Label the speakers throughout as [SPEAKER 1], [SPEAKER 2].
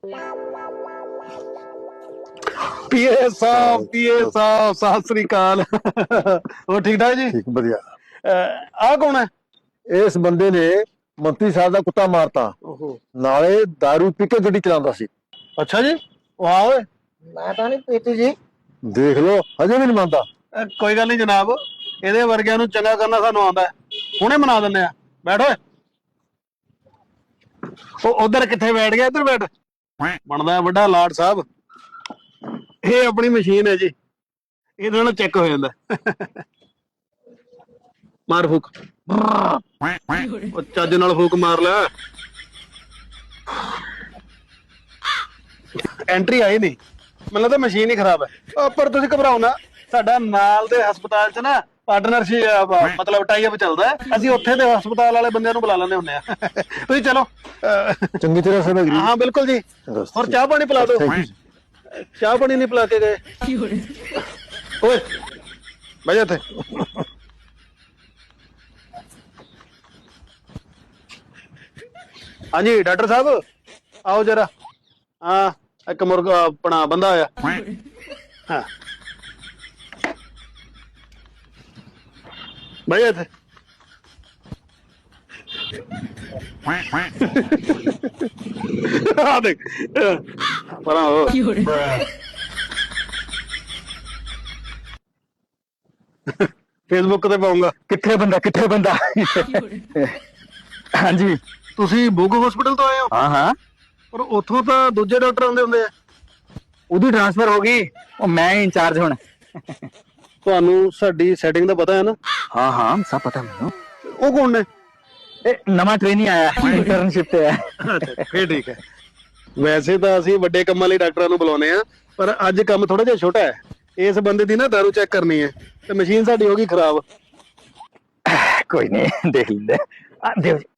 [SPEAKER 1] ਪੀਏ ਸਾਹਿਬ ਸਤਿ ਸ੍ਰੀ ਅਕਾਲ। ਹੋਰ ਠੀਕ ਠਾਕ ਜੀ?
[SPEAKER 2] ਠੀਕ ਵਧੀਆ।
[SPEAKER 1] ਆਹ ਕੌਣ ਹੈ?
[SPEAKER 2] ਇਸ ਬੰਦੇ ਨੇ ਮੰਤਰੀ ਸਾਹਿਬ ਦਾ ਕੁੱਤਾ ਮਾਰਤਾ,
[SPEAKER 1] ਓਹੋ,
[SPEAKER 2] ਨਾਲੇ दारू ਪੀ ਕੇ ਗੱਡੀ ਚਲਾਉਂਦਾ ਸੀ।
[SPEAKER 1] ਅੱਛਾ ਜੀ। ਵਾਹ ਓਏ।
[SPEAKER 3] ਮੈਂ ਤਾਂ ਨਹੀਂ ਪੀਤੀ ਜੀ।
[SPEAKER 2] ਦੇਖ ਲਓ, ਹਜੇ ਵੀ ਨਹੀਂ ਮੰਨਦਾ।
[SPEAKER 1] ਕੋਈ ਗੱਲ ਨਹੀਂ ਜਨਾਬ, ਇਹਦੇ ਵਰਗਿਆਂ ਨੂੰ ਚੰਗਾ ਕਰਨਾ ਸਾਨੂੰ ਆਉਂਦਾ ਹੈ। ਹੁਣੇ ਮਨਾ ਦਿੰਦੇ ਆ। ਬੈਠ ਓਏ। ਉਹ ਉਧਰ ਕਿੱਥੇ ਬੈਠ ਗਿਆ? ਇੱਧਰ ਬੈਠ। ਬਣਦਾ ਵੱਡਾ ਲਾਟ ਸਾਹਿਬ। ਇਹ ਆਪਣੀ ਮਸ਼ੀਨ ਹੈ ਜੀ, ਇਹਦੇ ਨਾਲ ਚੈੱਕ ਹੋ ਜਾਂਦਾ। ਮਾਰ ਫੂਕ। ਉਹ ਚੱਜ ਨਾਲ ਫੂਕ ਮਾਰ ਲੈ। ਐਂਟਰੀ ਆਈ ਨਹੀਂ, ਮੈਨੂੰ ਲੱਗਦਾ ਮਸ਼ੀਨ ਹੀ ਖਰਾਬ ਹੈ। ਪਰ ਤੁਸੀਂ ਘਬਰਾਓ ਨਾ, ਸਾਡਾ ਨਾਲ ਦੇ ਹਸਪਤਾਲ 'ਚ ਨਾ ਪਾਰਟਨਰਸ਼ਿਪ ਮਤਲਬ ਟਾਈ ਅਪ ਚੱਲਦਾ ਹੈ। ਅਸੀਂ ਉੱਥੇ ਦੇ ਹਸਪਤਾਲ ਵਾਲੇ ਬੰਦਿਆਂ ਨੂੰ ਬੁਲਾ ਲੈਂਦੇ ਹੁੰਦੇ ਆ। ਤੁਸੀਂ ਚਲੋ।
[SPEAKER 2] ਚੰਗੀ ਤਰ੍ਹਾਂ ਸਮਝ
[SPEAKER 1] ਹਾਂ ਬਿਲਕੁਲ ਜੀ। ਹੋਰ ਚਾਹ ਪਾਣੀ ਪਿਲਾ ਦਿਓ। ਚਾਹ ਪਾਣੀ ਨਹੀਂ ਪਿਲਾ ਕੇ ਗਏ? ਓਏ ਬਹਿ ਜਾ ਇੱਥੇ। ਹਾਂਜੀ ਡਾਕਟਰ ਸਾਹਿਬ ਆਓ ਜਰਾ। ਹਾਂ ਇੱਕ ਮੁਰਗਾ ਆਪਣਾ ਬੰਦਾ ਆਇਆ। ਹਾਂ ਬਹਿ ਜਾ ਇੱਥੇ। ਆ ਦੇਖ ਪਰਾਂ ਹੋ। ਫੇਸਬੁੱਕ ਤੇ ਪਾਉਂਗਾ।
[SPEAKER 2] ਕਿੱਥੇ ਬੰਦਾ ਹਾਂਜੀ
[SPEAKER 1] ਤੁਸੀਂ ਬੁੱਗ ਹਸਪੀਟਲ ਤੋਂ ਆਏ ਹੋ?
[SPEAKER 2] ਹਾਂ
[SPEAKER 1] ਪਰ ਉੱਥੋਂ ਤਾਂ ਦੂਜੇ ਡਾਕਟਰ ਆਉਂਦੇ ਹੁੰਦੇ ਆ।
[SPEAKER 2] ਉਹਦੀ ਟ੍ਰਾਂਸਫਰ ਹੋ ਗਈ, ਉਹ ਮੈਂ ਇੰਚਾਰਜ ਹੁਣ।
[SPEAKER 1] ਤੁਹਾਨੂੰ ਸਾਡੀ ਸੈਟਿੰਗ ਦਾ ਪਤਾ ਹੈ ਨਾ?
[SPEAKER 2] ਹਾਂ ਸਭ ਪਤਾ ਮੈਨੂੰ।
[SPEAKER 1] ਉਹ ਕੌਣ ਨੇ?
[SPEAKER 2] ਇਹ ਨਵਾਂ ਟ੍ਰੇਨੀ ਆਇਆ, ਇੰਟਰਨਸ਼ਿਪ ਤੇ ਹੈ।
[SPEAKER 1] ਅੱਛਾ ਫੇਰ ਠੀਕ ਹੈ। ਵੈਸੇ ਤਾਂ ਅਸੀਂ ਵੱਡੇ ਕੰਮਾਂ ਲਈ ਡਾਕਟਰਾਂ ਨੂੰ ਬੁਲਾਉਂਦੇ ਆ, ਪਰ ਅੱਜ ਕੰਮ ਥੋੜਾ ਜਿਹਾ ਛੋਟਾ ਹੈ। ਇਸ ਬੰਦੇ ਦੀ ਨਾ ਦਾਰੂ ਚੈੱਕ ਕਰਨੀ ਹੈ ਤੇ ਮਸ਼ੀਨ ਸਾਡੀ ਹੋ ਗਈ ਖਰਾਬ।
[SPEAKER 2] ਕੋਈ ਨਹੀਂ, ਦੇਖ ਲੈਂਦੇ ਆ। ਦਿਓ ਜੀ।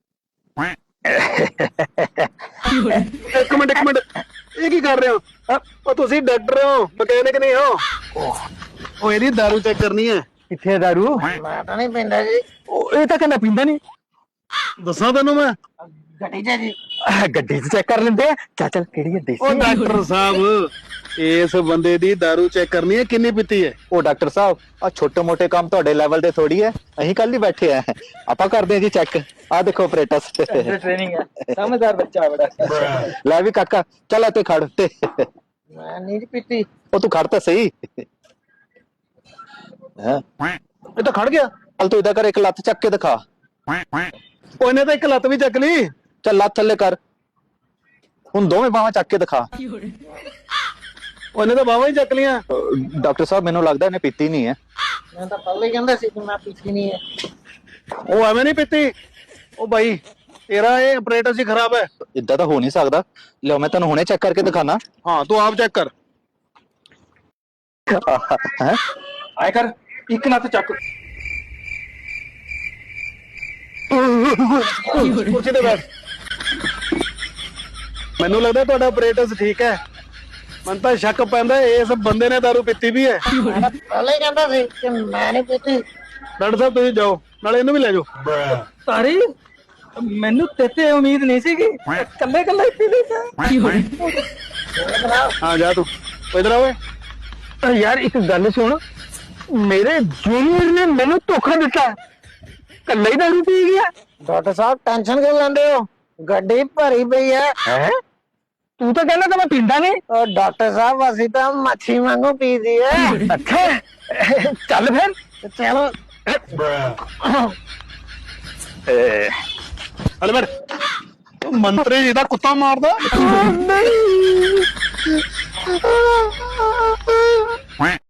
[SPEAKER 1] ਇੱਕ ਮਿੰਟ ਇਹ ਕੀ ਕਰ ਰਹੇ ਹੋ? ਉਹ ਤੁਸੀਂ ਡਾਕਟਰ ਹੋ, ਮਕੈਨਿਕ ਨਹੀਂ ਹੋ? ਉਹ ਇਹਦੀ ਦਾਰੂ ਚੈੱਕ ਕਰਨੀ ਹੈ।
[SPEAKER 2] ਕਿੱਥੇ ਦਾਰੂ?
[SPEAKER 3] ਮੈਂ ਤਾਂ ਨਹੀਂ ਪੀਂਦਾ ਜੀ।
[SPEAKER 2] ਇਹ ਤਾਂ ਕਹਿੰਦਾ ਪੀਂਦਾ ਨਹੀਂ।
[SPEAKER 1] ਦੱਸਾਂ ਤੈਨੂੰ ਮੈਂ?
[SPEAKER 3] ਗੱਡੀ 'ਚ ਜੀ।
[SPEAKER 2] ਗੱਡੀ 'ਚ ਚੈੱਕ ਕਰ ਲੈਂਦੇ ਆ। ਚੱਲ ਕਿਹੜੀ ਹੈ
[SPEAKER 1] ਉਹ
[SPEAKER 2] ਦੇਸੀ?
[SPEAKER 1] ਡਾਕਟਰ ਸਾਹਿਬ ਇਸ ਬੰਦੇ ਦੀ ਦਾਰੂ ਚੈੱਕ ਕਰਨੀ ਹੈ, ਕਿੰਨੀ ਪੀਤੀ ਹੈ?
[SPEAKER 2] ਉਹ ਡਾਕਟਰ ਸਾਹਿਬ, ਆ ਛੋਟੇ ਮੋਟੇ ਕੰਮ ਤੁਹਾਡੇ ਲੈਵਲ ਤੇ ਥੋੜੀ ਹੈ। ਅਸੀਂ ਕੱਲ ਹੀ ਬੈਠੇ ਆ, ਆਪਾਂ ਕਰਦੇ ਆ ਜੀ ਚੈੱਕ। ਆ ਦੇਖੋ ਆਪਰੇਟਰਸ
[SPEAKER 3] ਟ੍ਰੇਨਿੰਗ ਹੈ, ਸਮਝਦਾਰ ਬੱਚਾ ਬੜਾ।
[SPEAKER 2] ਲੈ ਵੀ ਕਾਕਾ, ਚੱਲ ਇੱਥੇ ਖੜ ਤੇ।
[SPEAKER 3] ਮੈਂ ਨਹੀਂ ਪੀਤੀ।
[SPEAKER 2] ਉਹ ਤੂੰ ਖੜ ਤਾਂ ਸਹੀ। ਹਾਂ
[SPEAKER 1] ਇਹ ਤਾਂ ਖੜ ਗਿਆ।
[SPEAKER 2] ਚੱਲ ਤੂੰ ਇਦਾਂ ਕਰ, ਇੱਕ ਲੱਤ ਚੱਕ ਕੇ ਦਿਖਾ।
[SPEAKER 1] ਉਹ ਇਹਨੇ ਤਾਂ ਇੱਕ ਲੱਤ ਵੀ ਚੱਕ ਲਈ।
[SPEAKER 2] ਚੱਲ ਲੱਤ ਥੱਲੇ ਕਰ, ਹੁਣ ਦੋਵੇਂ ਬਾਹਾਂ ਚੱਕ ਕੇ ਦਿਖਾ।
[SPEAKER 1] ਉਹਨੇ ਤਾਂ ਬਾਹਾਂ ਹੀ ਚੱਕ ਲੀਆਂ।
[SPEAKER 2] ਡਾਕਟਰ ਸਾਹਿਬ ਮੈਨੂੰ ਲੱਗਦਾ ਇਹਨੇ ਪੀਤੀ ਨਹੀਂ ਹੈ।
[SPEAKER 3] ਮੈਂ ਤਾਂ ਪਹਿਲੇ ਹੀ ਕਹਿੰਦਾ ਸੀ ਕਿ ਮੈਂ ਪੀਤੀ ਨਹੀਂ ਹੈ।
[SPEAKER 1] ਉਹ ਐਵੇਂ ਨਹੀਂ ਪੀਤੀ। ਉਹ ਬਾਈ ਤੇਰਾ ਇਹ ਆਪਰੇਟਰ ਸੀ ਖਰਾਬ ਹੈ।
[SPEAKER 2] ਇਦਾਂ ਤਾਂ ਹੋ ਨਹੀਂ ਸਕਦਾ। ਲਿਓ ਮੈਂ ਤੁਹਾਨੂੰ ਹੁਣੇ ਚੈੱਕ ਕਰਕੇ ਦਿਖਾਣਾ।
[SPEAKER 1] ਹਾਂ ਤੂੰ ਆਪ ਚੈੱਕ ਕਰ।
[SPEAKER 2] ਹੈ
[SPEAKER 1] ਆਏ ਕਰ, ਇੱਕ ਲੱਤ ਚੱਕ। ਕੁਰਸੀ ਤੇ ਬੈਠ। ਮੈਨੂੰ ਲੱਗਦਾ ਤੁਹਾਡਾ ਆਪਰੇਟਰ ਠੀਕ ਹੈ। ਮੈਨੂੰ ਤਾਂ ਸ਼ੱਕ ਪੈਂਦਾ ਇਸ ਬੰਦੇ ਨੇ ਦਾਰੂ ਪੀਤੀ ਵੀ ਹੈ।
[SPEAKER 3] ਮੈਂ ਤਾਂ ਪਹਿਲੇ ਹੀ ਕਹਿੰਦਾ ਸੀ ਕਿ ਮੈਂ ਨਹੀਂ ਪੀਤੀ।
[SPEAKER 1] ਡਾਕਟਰ ਸਾਹਿਬ ਤੁਸੀਂ ਜਾਓ, ਨਾਲੇ ਇਹਨੂੰ ਵੀ ਲੈ ਜਾਓ।
[SPEAKER 3] ਤਾਰੀ ਮੈਨੂੰ ਤੇਤੇ ਉਮੀਦ ਨਹੀਂ ਸੀਗੀ। ਕੱਲੇ ਕੱਲੇ ਪੀ ਲਈ।
[SPEAKER 1] ਹਾਂ ਜਾ ਤੂੰ ਇਧਰ ਆ ਓਏ।
[SPEAKER 2] ਯਾਰ ਇੱਕ ਗੱਲ ਸੁਣ, ਮੇਰੇ ਜੂਨੀਅਰ ਨੇ ਮੈਨੂੰ ਧੋਖਾ ਦਿੱਤਾ, ਕੱਲਾ ਹੀ ਦਾਰੂ ਪੀ ਗਿਆ।
[SPEAKER 3] ਡਾਕਟਰ ਸਾਹਿਬ ਟੈਨਸ਼ਨ ਕਿਉਂ ਲੈਂਦੇ ਹੋ? ਗੱਡੀ ਭਰੀ ਪਈ ਹੈ।
[SPEAKER 2] ਹੈ ਤੂੰ ਤਾਂ ਕਹਿੰਦਾ ਤਾਂ ਮੈਂ ਪੀਂਦਾ ਨਹੀਂ।
[SPEAKER 3] ਉਹ ਡਾਕਟਰ ਸਾਹਿਬ ਅਸੀਂ ਤਾਂ ਮੱਛੀ ਵਾਂਗੂ ਪੀਦੀ ਹੈ।
[SPEAKER 2] ਅੱਛਾ ਚੱਲ ਫਿਰ।
[SPEAKER 3] ਚਲੋ
[SPEAKER 1] ਹਲੇ ਬੈਠ। ਮੰਤਰੀ ਜੀ ਦਾ ਕੁੱਤਾ ਮਾਰਦਾ।
[SPEAKER 2] ਨਹੀਂ